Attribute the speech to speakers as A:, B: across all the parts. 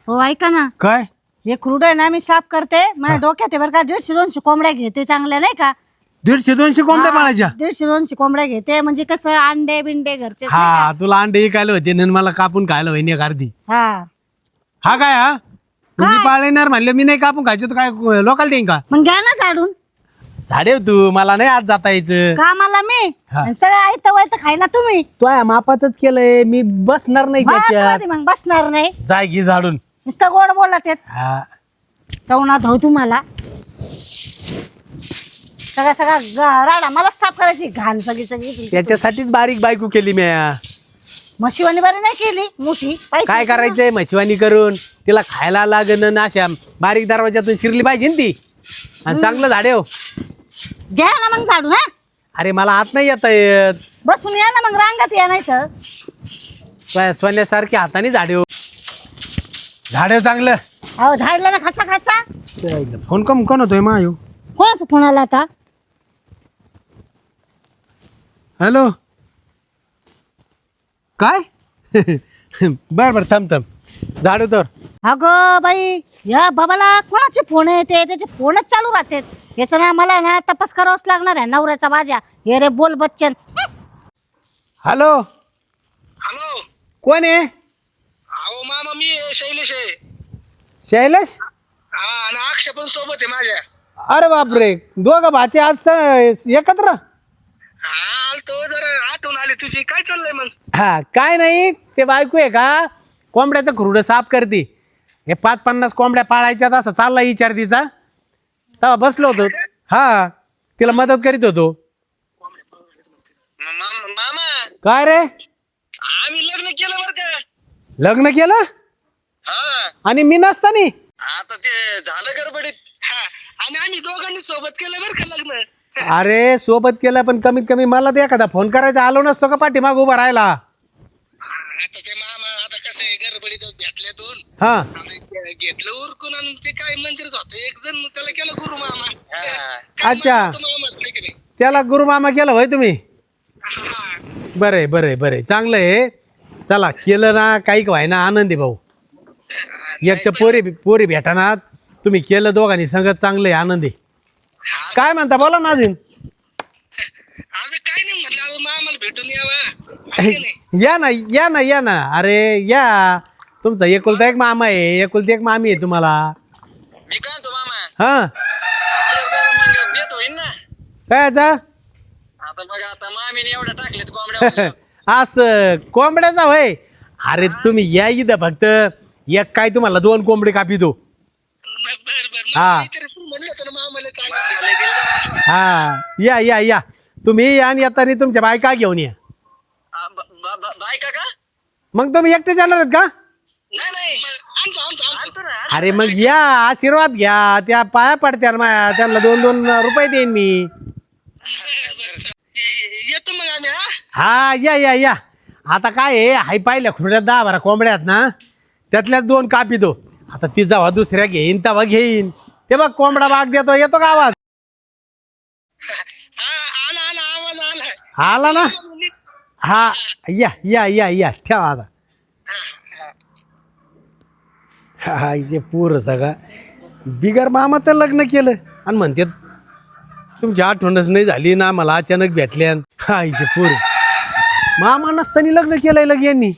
A: हो ऐका ना,
B: काय
A: हे क्रूड आहे ना मी साफ करते. माझ्या डोक्यात आहे बरं का. 150-200 कोंबड्या घेते चांगल्या नाही का.
B: 150-200 कोंबड्या पाळायच्या?
A: 150-200 कोंबड्या घेते म्हणजे कसं अंडे बिंडे घरचे.
B: हा तुला अंडे खायला होते आणि मला कापून खायला होईन एक अर्धी.
A: हा
B: हा काय हा तुम्ही पाळणार म्हणले मी नाही कापून खायचं तर काय लोकांना देईन का?
A: मग घ्या ना झाडून.
B: झाडे तू मला नाही आज जाता यायचं.
A: कामाला मी
B: हा.
A: आणि सगळं आयतं वायतं खायला तुम्ही.
B: तो मापाच केलंय मी बसणार नाही त्याच्यात.
A: कधी मग बसणार नाही.
B: जाय घे झाडून.
A: नुसतं गोड बोलत येत.
B: हा
A: चवणात हो तुम्हाला. सगळा राडा मला साफ करायची घाण सगळी सगळी.
B: त्याच्यासाठीच बारीक बायको केली मी.
A: म्हशीवानी बरी नाही केली मोठी.
B: काय करायचंय म्हशीवानी करून तिला खायला लागण अशा बारीक दरवाजातून शिरली पाहिजे ना ती. आणि चांगलं झाडे हो.
A: घ्या ना मग झाडून. हा
B: अरे मला आत नाही येता येत.
A: बसून या ना मग रांगात या नाही तर.
B: सोन्यासारखे हाताने झाडे हो. झाडे चांगलं.
A: अहो झाडला ना खाचा खाचा.
B: फोन कोण होतोय मायो?
A: कोणाचा फोन आला आता?
B: हॅलो काय? बर थांब झाडू तर.
A: अगं बाई या बाबाला कोणाचे फोन येते? त्याचे फोनच चालू राहतात. याचं ना मला ना तपास करावाच लागणार आहे नवऱ्याचा माझ्या. हे रे बोल बच्चन.
B: Hello
C: hello.
B: कोण आहे?
C: अहो मामा मी शैलेश आहे.
B: शैलेश?
C: हा आणि अक्षय पण सोबत आहे माझ्या.
B: अरे बापरे दोघं भाचे आज एकत्र?
C: हा तो जरा आठवण आली तुझी. काय चाललंय मग?
B: हा काय नाही ते बायको आहे का कोंबड्याचं खुरडं साफ करते. हे 50 कोंबड्या पाळायच्यात असं चालला विचार तिचा. तेव्हा बसलो होतो. हा तिला मदत करीत होतो.
C: मामा
B: काय रे
C: आम्ही लग्न केलं बरं का.
B: लग्न केलं?
C: हा
B: आणि मी नसतानी?
C: आता ते झालं गडबडीत. हा आणि आम्ही दोघांनी सोबत केलं बरं का लग्न.
B: अरे सोबत केलं पण कमीत कमी मला ते एखादा फोन करायचा आलो नसतो का पाठीमाग उभा राहिला.
C: आता ते मामा आता कसं आहे गडबडीतच भेटल्यातून
B: हा
C: आता घेतलं उरकून आणि ते काय मंदिरच होतं एक जण मग त्याला केलं गुरु मामा. काय
B: अच्छा.
C: मामा होतं मामा, हाय की नाही?
B: त्याला गुरुमामा केलं होय तुम्ही?
C: हा.
B: बरं चांगलं आहे. चला केलं ना काही व्हायना आनंदी भाऊ. एक तर पोरी भेटाना तुम्ही केलं दोघांनी संगत चांगलं आहे आनंदी. काय म्हणता बोला ना अजून.
C: आता काय नाही म्हटलं आता मामाला भेटून यावा. हाय की नाही?
B: या ना अरे या. तुमचा एकुलता एक मामा आहे एकुलती एक मामी आहे तुम्हाला.
C: मी काय म्हणतो मामा
B: हा
C: मग देत होईन ना.
B: काय याचा?
C: आता बघा आता मामीने एवढ्या टाकलेत कोंबड्या.
B: असं कोंबड्याचा होय. अरे तुम्ही या इथं फक्त एक काय तुम्हाला 2 कोंबडी कापी दो.
C: बर
B: हा.
C: म्हणलं होतं ना मामाला चांगलं
B: हा या तुम्ही या आणि येताना तुमच्या बायका घेऊन या.
C: बायका का?
B: मग तुम्ही एकटे जाणार आहेत का?
C: नाही आणतो ना.
B: अरे मग या आशीर्वाद घ्या. त्या पाया पडत्या माया त्यांना 2-2 रुपये देईन मी.
C: येतो मग आम्ही. हा
B: हा या आता काय आहे हाय पाहिल्या खुर्ड्यात 10-12 कोंबड्या आहेत ना त्यातल्याच 2 कापी दो. आता ती जेव्हा दुसऱ्या घेईन तेव्हा घेईन. ते बघ कोंबडा बाग देतो. येतो का आवाज?
C: आला आवाज आला.
B: आला ना. हा या ठेवा आता. हा इथे पूर सगळा बिगर मामाचं लग्न केलं आणि म्हणते तुमची आठवणच नाही झाली ना मला अचानक भेटल्या. हा इथे पूर मामा नसताना लग्न केलंय लग यांनी.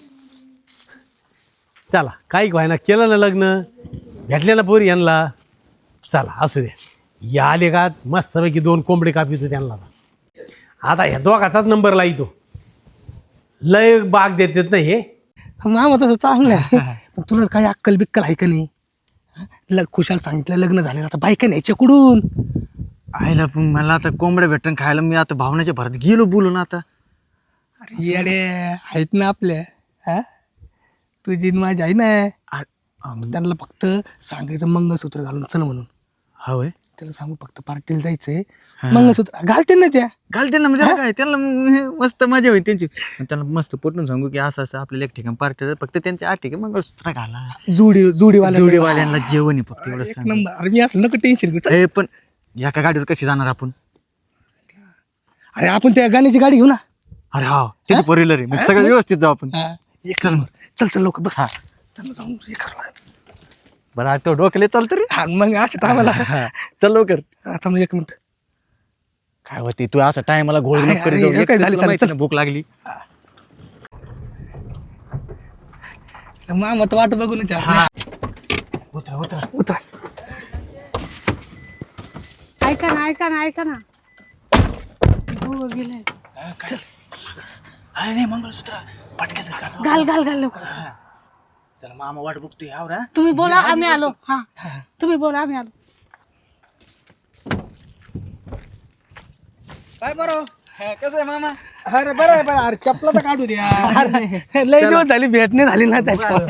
B: चला काही व्हायना केलं ना लग्न भेटले ना पोरी यांना. चला असू दे या आले का मस्तपैकी 2 कोंबडे कापितो त्यांना. आता ह्या दोघाचाच नंबर लाईतो. लय बाग देतात ना हे.
D: मामा तसं चांगलं आहे. पण तुला काही अक्कल बिक्कल आहे का नाही? खुशाल सांगितलं लग्न झालं आता बायका न्यायच्या कुठून?
E: आईला पण मला आता कोंबड्या भेटून खायला मी आता भावनाच्या भरात गेलो बोलून आता.
D: अरे येडे आहेत ना आपल्या. हा तुझी न माझी आहे ना. त्यांना फक्त सांगायचं मंगळसूत्र घालून चल म्हणून.
E: होय
D: त्याला सांगू फक्त पार्टीला जायचंय मंगळसूत्र घालते ना त्या.
E: घालते ना म्हणजे काय त्यांना मस्त मजा होईल त्यांची. त्यांना मस्त पटून सांगू की असं असं आपल्याला एक ठिकाण पार्टी फक्त त्यांच्या 8 ठिकाण मंगळसूत्र घाला. जोडीवाल्यांना जेवण आहे फक्त एवढं सांग.
D: नंबर. अरे मी असं नको टेन्शन घेऊ.
E: पण एका गाडीवर कशी जाणार आपण?
D: अरे आपण त्या गाण्याची गाडी घेऊ ना.
E: अरे हा त्याची 4 व्हीलर आहे मग सगळं व्यवस्थित जाऊ आपण.
D: चल लवकर बस. त्यांना जाऊन हे करावं लागेल.
E: बरं आता तो डोकले चालतं रे.
D: हा मग असं आम्हाला
E: चल लवकर.
D: आता मग 1 मिनिट.
E: काय होती तू असं टायमाला घोळ नको
D: अरे,
E: करीत जाऊ.
D: अरे,
E: एक
D: काय
E: तर
D: झालं,
E: तुला माहिती
D: चल.
E: ना भूक लागली.
D: मामा तर वाट बघूनच आहे.
E: उतरा उतरा.
D: उतर.
F: ऐका ना हो गेले.
E: नाही मंगळसूत्र पटक्याच
F: घाल लवकर.
E: चला मामा वाट बघतोय आवरा.
F: तुम्ही बोला आम्ही आलो. हा तुम्ही बोला आम्ही आलो.
D: काय बरं
E: कसं आहे मामा?
D: अरे बरं आहे बरं. अरे चपला तर काढू द्या. लय दिवस झाली भेट नाही झाली ना त्याच्यावर.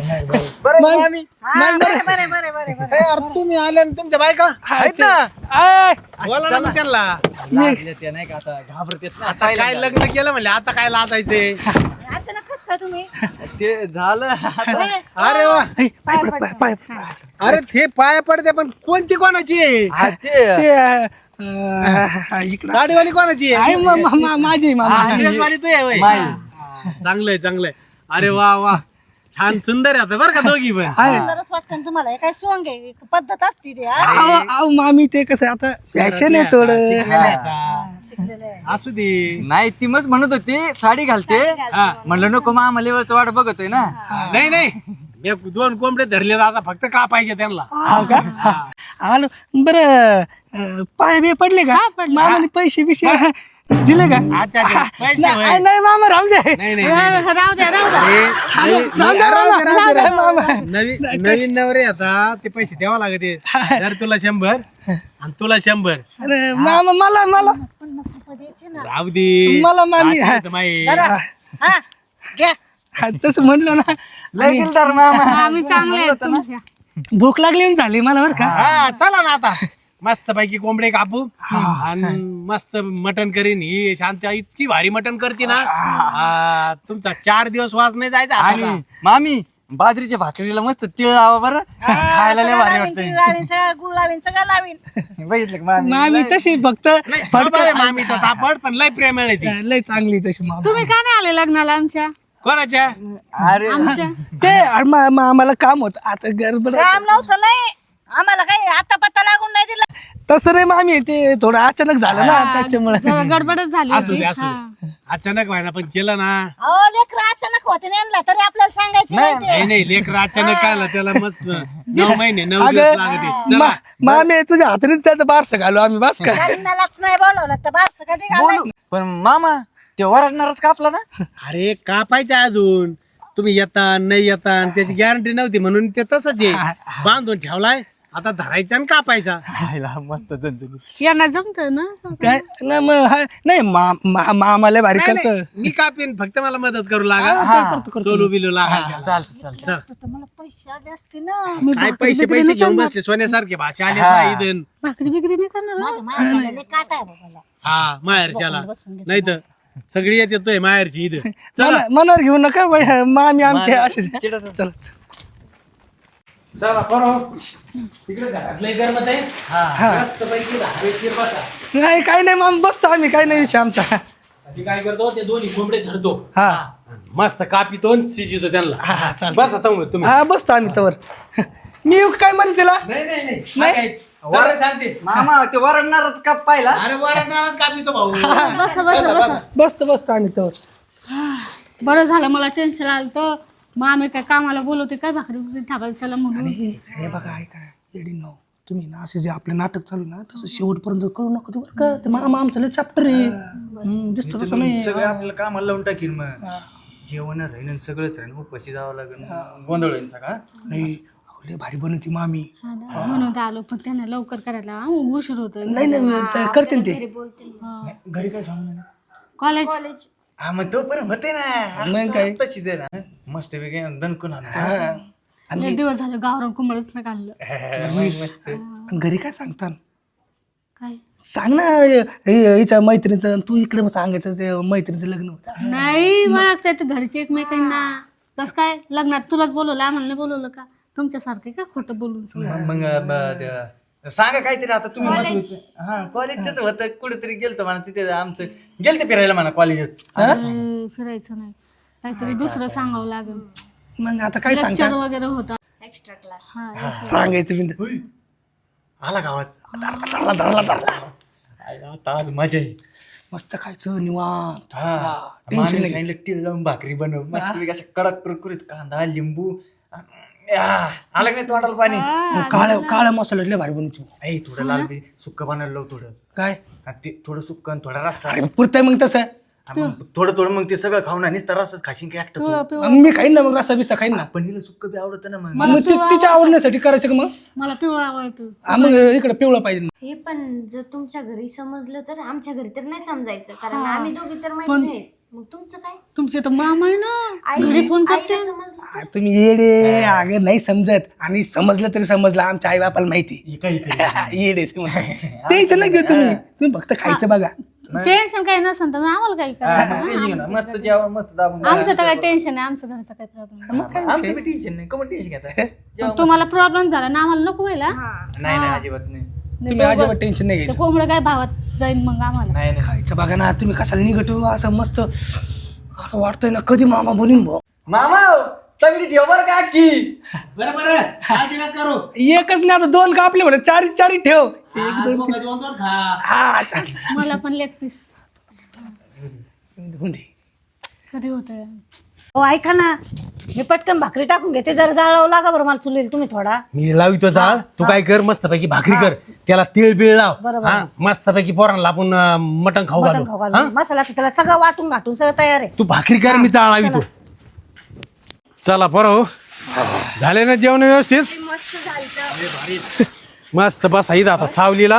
B: अरे तुम्ही आले आणि तुमच्या बायका
D: आहेत ना.
B: बोला ना मग त्यांना.
E: ते नाही का आता घाबरत ना.
B: आता काय लग्न केलं म्हणले आता काय लाजायचे.
A: अचानक कसं काय तुम्ही
E: ते झालं.
B: अरे वा.
D: ऐ, पाय पड, पाय
B: अरे ते पाया पडते पण कोणती कोणाची आहे?
E: हा, ते
D: ते इकडं
B: गाडीवाली कोणाची आहे?
D: आहे माझी मामा.
B: ड्रेसवाली तू आहे होय? हा, चांगलंय. अरे वा वा छान सुंदर आहे बरं का दोघी पण.
A: सुंदरच वाटतं ना तुम्हाला. हे काय सोंग आहे एक पद्धत असते ते हा?
D: अहो मामी ते कसं आता फॅशन आहे थोडं.
A: शिकलेलं आहे.
B: असू दे.
E: नाही ती मस्त म्हणत होती साडी घालते.
B: हा.
E: म्हणलं नको मामा लेवलचं वाट बघतोय ना.
B: नाही मी 2 कोंबडे धरले आता फक्त का पाहिजे त्यांना.
D: आलो बरं. पाय बी पडले का मामाने पैसे बिशे दिले का?
B: अच्छा पैसे होय.
D: नाही मामा राहू दे.
B: नाही
F: राहू द्या.
B: नवीन नवरे आता ते पैसे द्यावा लागते. जर तुला 100 आणि तुला 100
D: अरे मामा मला
A: 50 रुपये द्यायचे ना.
B: राहू दे.
D: मला मामी
B: असं होतं माई.
A: हा घ्या.
D: तसं म्हणलं ना.
E: लय दिलदार मामा.
F: आम्ही चांगले आहेत तुमच्या.
D: भूक लागली आणि झाली मला बरं का.
B: हा चला ना आता मस्त पैकी कोंबडे कापू आणि मस्त मटण करीन. ही शांती इतकी भारी मटण करते ना. तुमचा 4 दिवस वास नाही जायचा
E: आणि
B: हाताचा.
E: मामी बाजरीच्या भाकरीला मस्त तिळ लावा बरं. खायला लय भारी वाटतंय.
A: लावीन सगळं गुळ लावीन सगळं लावीन.
E: बघितलं का मामी?
D: मामी तशी फक्त
B: नाही, स्वभाव आहे मामीचा तापड पण लय प्रेम आहे ती.
D: लय चांगली तशी मामा.
F: तुम्ही का नाही आले लग्नाला आमच्या?
B: कोणाच्या?
E: अरे
F: आमच्या
D: ते आम्हाला काम होत आता गडबड.
A: काम नव्हतं नाही आम्हाला काही आता पत्ता लागून नाही दिला.
D: तसं नाही मामी ते थोडं अचानक झालं ना त्याच्यामुळे.
F: जरा गडबडच झाली
B: असू
F: होती.
B: दे असू दे. अचानक व्हायना पण केलं ना.
A: अहो लेकर अचानक होते नाही तरी आपल्याला सांगायचं नाही ते.
B: नाही लेकर अचानक आलं त्याला मस्त 9 महिने 9 दिवस लागते. चला
D: मामी तुझ्या हाताने त्याचं बारसं घालू आम्ही बस का.
A: लग्नालाच नाही बोलवलं तर बास कधी घालायचं.
E: पण मामा ते वरडणारच कापला ना.
B: अरे कापायचं अजून. तुम्ही येता नाही येता आणि त्याची गॅरंटी नव्हती म्हणून ते तसंच आहे. बांधून ठेवलाय आता धरायचा आणि कापायचा.
E: मस्त झणझणीत.
F: यांना जमत ना.
D: काय ना मग नाही मामाला भारी
B: नाही,
D: करत.
B: नाही, मी कापेन फक्त मला मदत करू लागा. सोलू बिलू लागा.
E: चालतं
B: चल
A: तर मला पैसे आले असते ना.
B: काय पैसे घेऊन बसले सोन्यासारखे भाषा आले ना इथून.
F: भाकरी बिकरी नाही करणार.
A: माझ्या मायाला लय काटा आहे बाबाला.
B: हा माहेरच्याला नाही तर सगळी येतोय माहेरची इथं.
D: मनावर घेऊ नका बाई, मामी आमचे असे. चल
B: चला बरोबर तिकडे घरातलं गरमत आहे. मस्त पैकी हवेशीर बसा.
D: नाही काही नाही मामा बसतो आम्ही, काही नाही विषय आमचा.
B: मी काय करतो ते दोन्ही कोंबडे धरतो.
D: हा
B: मस्त कापितो आणि शिजितो त्यांना.
D: हा चाल.
B: बस आता तुम्ही.
D: हा बसतो आम्ही तवर. मी येऊ काय म्हणते तिला.
B: नाही जरा शांती.
E: मामा ते वरडणारच काप पाहिला.
B: अरे वरडणारच कापितो भाऊ.
D: बसतो आम्ही तवर.
F: बरं झालं मला टेन्शन आलं तर. मग आम्ही काय कामाला बोलवते काय भाकरी बिकरी थापायला चला म्हणून.
D: हे बघा ऐका येडी नो तुम्ही ना असे जे आपले नाटक चालू ना तसं शेवटपर्यंत कळू नका ते बरं का. ते मामा आमचं लय चॅप्टर आहे. दिसतो तसं नाही.
E: सगळं आपल्याला कामाला लावून टाकीन. मग जेवण राहीन सगळंच राहीन. उपाशी जावं लागेल. गोंधळ होईल सगळा.
D: नाही लय भारी बनवती मामी.
F: म्हणून तर आलो पण त्यांना लवकर करायला उशीर होतो.
D: नाही करते ते.
E: घरी काय सांगू ना.
F: कॉलेज
E: हा मग तो पण होते ना.
D: मग काय
E: तशीच आहे ना. मस्त वेगळे दणकून
F: लय दिवस झालं गावरान कुंबळच नाही काढलं.
D: घरी काय सांगता
F: काय
D: सांग ना हिच्या मैत्रिणीचं. तू इकडे मग सांगायचं ते मैत्रिणीचं लग्न होतं.
F: नाही मला ते घरचे एकमेकांना कस काय लग्नात तुलाच बोलवलं आम्हाला नाही बोलवलं का. तुमच्यासारखे का खोटं बोलून.
E: मग सांगा काहीतरी आता तुम्ही. हा कॉलेजच होतं कुठेतरी गेलतो म्हणा. तिथे आमचं गेलते फिरायला म्हणा कॉलेजात.
F: फिरायचं नाही काहीतरी दुसरं सांगावं लागेल.
D: मग आता काय
F: लेक्चर
D: सांगता
F: वगैरे होता.
A: Extra class.
F: हा
D: सांगायचं बिंद
E: आला गावात
D: धरला
E: आता आज मजा आहे.
D: मस्त खायचं निवांत
E: टेन्शन नाही. सांगितलं टील लावून भाकरी बनव मस्त अशा कडक कुरकुरीत कांदा लिंबू आलं का नाही तोंडाला पाणी.
D: काळ्या मसाल्यातले भारी बनवतो.
E: ऐ थोडं लाल बी सुक्क बनवलं लाव थोडं
D: काय
E: आणि ते थोडं सुक्क आणि थोडा रस्सा
D: अरे पुरतंय मग तसं
E: आणि मग थोडं मग ते सगळं खाऊन आणि रस्साच खाशीन काय एकटं तू.
D: मग मी खाईन ना मग रस्सा बिस्सा खाईन ना.
E: पण हिला सुक्क बी आवडतं ना मग.
D: मग तिच्या आवडण्यासाठी करायचं का मग
F: मला पिवळा आवडतो.
D: मग इकडे पिवळा पाहिजे.
G: हे पण जर तुमच्या घरी समजलं तर आमच्या घरी तर नाही समजायचं कारण आम्ही दोघी तर माहिती नाही. मग तुमचं काय
F: तुमचे तर मामा आहे ना घरी फोन करते.
G: आईला समजलं तर?
D: तुम्ही येडे अगं नाही समजत आणि समजलं तरी समजलं आमच्या आई बापाला माहिती. येडे टेन्शन नाही घेत तुम्ही फक्त खायचं बघा.
F: टेन्शन काही नसेल तर आम्हाला काही करा.
E: मस्त जेवण मस्त दाबून
F: आमचं तर काही टेन्शन नाही. आमच्या घरचा काही प्रॉब्लेम
E: आमचं बी टेन्शन नाही. कमन टेन्शन घेता
F: तुम्हाला प्रॉब्लेम झाला ना आम्हाला नको व्हायला.
E: नाही नाही अजिबात नाही.
D: तुम्ही अजिबात टेन्शन नाही
F: ते
D: घ्यायचं.
F: कोंबडं काय भावात जाईल मग आम्हाला.
E: नाही नाही
D: खायचं बघा ना तुम्ही कशाला निघतो असं मस्त असं वाटतंय ना कधी मामा बोलीन भाऊ.
E: मामा तगडी ठेव बरं का की.
B: बरं काळजी नका करू.
D: एकच नाही आता दोन का आपले म्हणा चारी ठेव. एक दोन तीन.
B: दोन खा.
D: हा चालतं.
F: मला पण लेग पीस
D: होऊन दे.
F: कधी होत.
A: हो ऐका ना, मी पटकन भाकरी टाकून घेते. जरा जाळावं लागा बरं मला चुलील तुम्ही थोडा.
B: मी लावितो जाळ. तू काय कर मस्तपैकी भाकरी कर. त्याला तिळ बिळ लाव.
A: बरोबर.
B: हा मस्तपैकी पोरांना आपण मटण खाऊ
A: मटण खाऊ घालू. मसाला पिसाला सगळं वाटून घाटून सगळं तयार आहे.
B: तू भाकरी कर मी जाळ लावितो. चला बरं झाले ना जेवण व्यवस्थित. मस्त बस आई आता सावलीला.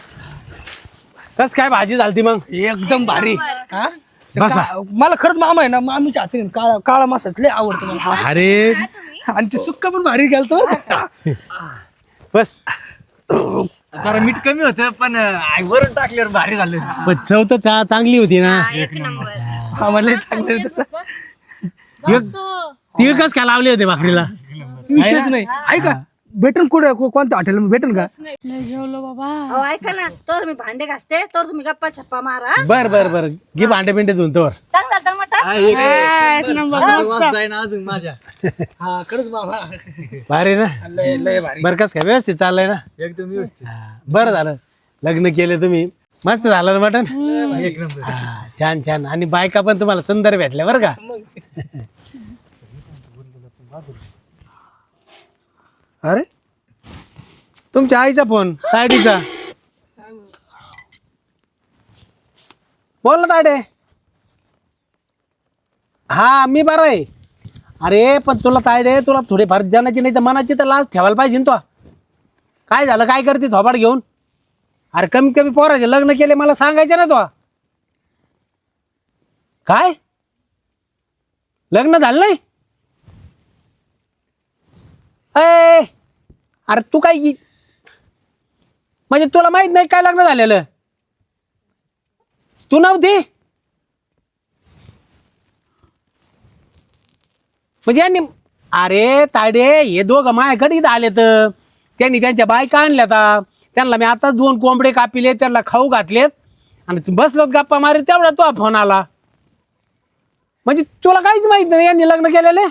B: कस काय भाजी झालती मग.
D: एकदम भारी. हा?
B: बसा.
D: मला खरंच मामा आहे ना मामीच्या हाती काळा मासाच लय आवडतं मला.
B: अरे
D: आणि ते सुक्का पण भारी घालतो.
B: बस.
E: जरा मीठ कमी होतं पण वरून टाकल्यावर भारी झालं.
B: पण चव तर चांगली होती ना.
D: आम्हाला चांगलं तसं
B: तिळ कस काय लावले होते भाकरीला.
D: विषयच नाही. ऐका भेटन कुठं कोणत्या हॉटेल भेटन का.
F: लय जेवलो बाबा.
A: हो ऐका ना, तर मी भांडे घासते तर तुम्ही गप्पा छप्पा मारा.
B: बर बर बर घे भांडे पिंडे धुवून तोवर.
A: चांगलं झालं मटण.
F: एक नंबर मस्त.
E: जाईन अजून माझ्या
D: हा खरंच मामा
B: भारी ना.
D: लय भारी.
B: बर कस काय व्यवस्थित चाललंय ना.
E: एकदम व्यवस्थित.
B: बरं झालं लग्न केलं तुम्ही. मस्त झालं ना मटण.
E: एक नंबर.
B: छान छान. आणि बायका पण तुम्हाला सुंदर भेटल्या बरं का. अरे तुमच्या आईचा फोन तायडीचा. बोल ना तायडे. हा मी बरा आहे. अरे पण तुला तायडे तुला थोडीफार जनाची नाही तर मनाची तर लाज ठेवायला पाहिजे ना. तो काय झालं काय करते थोबाड घेऊन. अरे कमीत कमी पोराचे लग्न केले मला सांगायचं ना. तो काय लग्न झालं नाही. अरे तू काय म्हणजे तुला माहित नाही काय लग्न झालेलं. तू नव्हती म्हणजे यांनी. अरे तायडे हे दोघं माझ्याकडे इथं आले तर त्यांनी त्यांच्या बायका आणल्या आता. त्यांना मी आताच 2 कोंबडे कापिले त्यांना खाऊ घातलेत आणि बसलोत गप्पा मारे तेवढा तो फोन आला. म्हणजे तुला काहीच माहित नाही यांनी लग्न केलेले.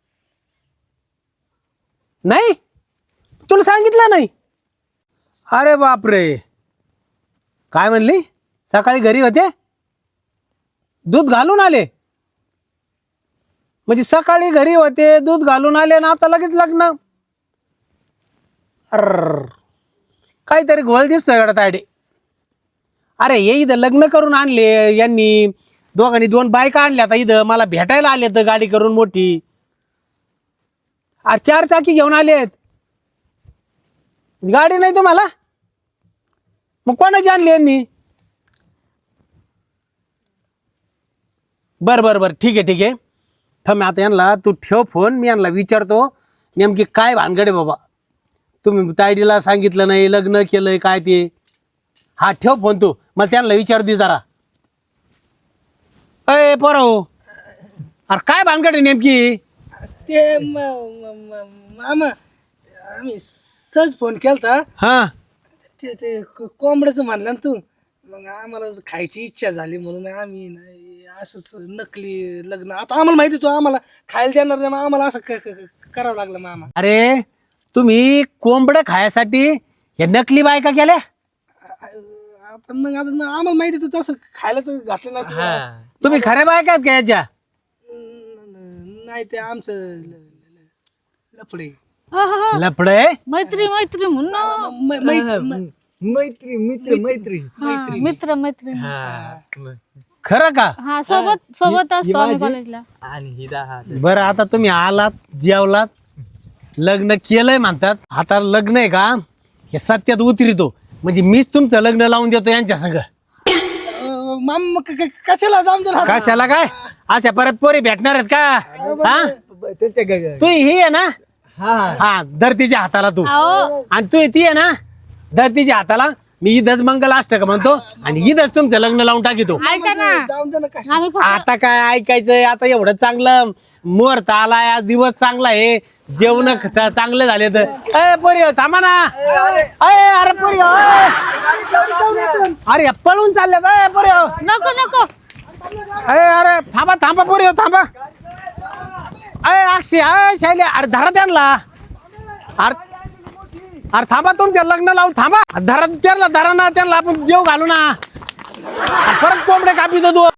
B: नाही तुला सांगितलं नाही. अरे बापरे काय म्हणली. सकाळी घरी होते दूध घालून आले. म्हणजे सकाळी घरी होते दूध घालून आले ना आता लगेच लग्न. अर काहीतरी घोळ दिसतोय गडा तायडे. अरे हे इथं लग्न करून आणले यांनी. दोघांनी 2 बायका आणल्या आता इथं मला भेटायला आले तर गाडी करून मोठी. अरे 4 चाकी घेऊन आलेत. गाडी नाही तुम्हाला मग कोणाची आणली यांनी. बर बर बर ठीक आहे थांब आता यांना तू ठेव फोन. मी यांना विचारतो नेमकी काय भानगडे बाबा. तुम्ही तायडीला सांगितलं नाही लग्न केलंय काय ते. हा ठेव फोन तू मला त्यांना विचार दे जरा. अय पोराओ अरे काय भानगड आहे नेमकी.
D: ते मामा आम्ही सहज फोन केलता.
B: हा
D: ते कोंबड्याचं म्हणलं ना तू. मग आम्हाला खायची इच्छा झाली म्हणून आम्ही असंच नकली लग्न. आता आम्हाला माहिती तू आम्हाला खायला देणार नाही, मग आम्हाला असं करावं लागलं मामा.
B: अरे तुम्ही कोंबड खायसाठी हे नकली बायका केल्या.
D: पण मग आता आम्हाला माहिती तू तसं खायला तर घातलं नसतं.
B: तुम्ही खऱ्या बायका आहेत का याच्या?
D: नाही ते आमचं लफडे.
F: हा, हा, हा.
B: लफडे.
F: मैत्री मैत्री म्हणून ना.
E: मैत्री मित्र मैत्री
F: हा, मित्र मैत्री
B: खरं का?
F: हा, सोबत असतो आम्ही कॉलेजला.
E: आणि ही दहा.
B: बरं आता तुम्ही आलात, जेवलात, लग्न केलंय म्हणतात. आता लग्न आहे का हे सत्यात उतरितो, म्हणजे मीच तुमचं लग्न लावून देतो यांच्या संग.
D: मामा कशाला जाऊन दे ना.
B: कशाला काय अशा परत पोरी भेटणार आहेत का? हा तू ही आहे ना, हा धरतीच्या हाताला तू, आणि तू ती आहे ना धरतीच्या हाताला. मी इथंच मंगलाष्टक म्हणतो आणि इथंच तुमचं लग्न लावून टाकितो.
F: ऐका ना,
D: जाऊन दे ना कशा.
F: आम्ही फक्त
B: आता काय ऐकायचंय? आता एवढं चांगलं मुहूर्त आलाय, आज दिवस चांगला आहे, जेवण चांगले झाले तर. अय पोरी थांबा ना. अरे पोरी अरे पळून चालल्यात. अय पोरी
F: नको नको.
B: अरे थांबा थांबा पोरी थांबा. अय अक्षय, अय शैली, अरे धरा त्यांना. अरे थांबा, तुमच्या लग्न लावून थांबा. धरा त्यांना, धरा ना त्यांना, आपण जेव घालू ना. परत कोंबडे कापी दो.